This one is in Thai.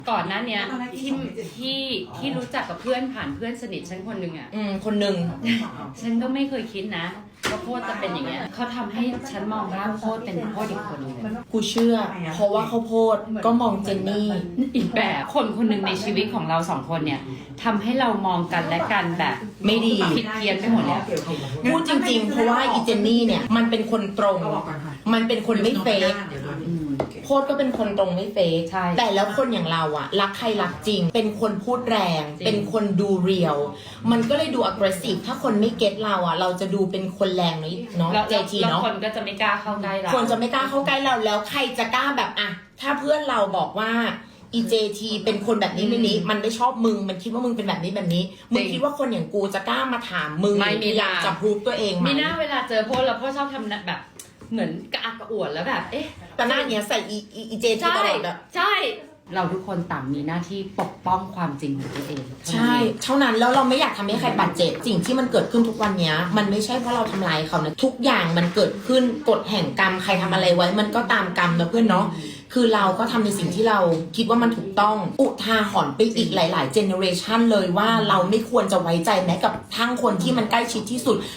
ก่อนหน้าเนี้ยที่รู้จักกับเพื่อนผ่านเพื่อนสนิทฉันคนหนึ่งอ่ะคนหนึ่งฉันก็ไม่เคยคิดนะว่าโพดจะเป็นอย่างเงี้ยเขาทำให้ฉันมองว่าโพดเป็นโพดอีกคนหนึงเลยกูเชื่อ เพราะว่าข้าวโพดก็มองเจนนี่อีกแบบคนหนึ่งในชีวิตของเราสองคนเนี่ยทำให้เรามองกันและกันแบบไม่ดีผิดเพี้ยนไปหมดเลยพูดจริงๆ เพราะว่าอีเจนนี่เนี่ยมันเป็นคนตรง มันเป็นคนไม่เฟกโพดก็เป็นคนตรงไม่เฟกใช่แต่แล้วคนอย่างเราอะรักใครรักจริง เป็นคนพูดแรง เป็นคนดูเรียว มันก็เลยดู aggressive ถ้าคนไม่เก็ตเราอะเราจะดูเป็นคนแรงเนาะแล้วเจทีแล้วเนาะคนก็จะไม่กล้าเข้าใกล้เราคนจะไม่กล้าเข้าใกล้เราแล้วใครจะกล้าแบบอะถ้าเพื่อนเราบอกว่าอีเจทีเป็นคนแบบนี้นี้มันไม่ชอบมึงมันคิดว่ามึงเป็นแบบนี้มึงคิดว่าคนอย่างกูจะกล้ามาถามมึงไม่มีอยากจะพูดตัวเองไหมมีหน้าเวลาเจอโพดแล้วโพดชอบทำแบบ เหมือนกระอักกระอ่วนแล้วแบบเอ๊ะแต่หน้าเนี้ยใส่อีเจทีตลอดแบบใช่ เราทุกคนต่างมีหน้าที่ปกป้องความจริงของตัวเองใช่เท่านั้นแล้วเราไม่อยากทำให้ใครบาดเจ็บสิ่งที่มันเกิดขึ้นทุกวันเนี้ยมันไม่ใช่เพราะเราทำร้ายเขานะทุกอย่างมันเกิดขึ้นกฎแห่งกรรมใครทำอะไรไว้มันก็ตามกรรมนะเพื่อนเนาะคือเราก็ทำในสิ่งที่เราคิดว่ามันถูกต้องอุทาหรณ์ไปอีกหลายๆเจเนอเรชันเลยว่าเราไม่ควรจะไว้ใจแม้กับทั้งคนที่มันใกล้ชิดที่สุด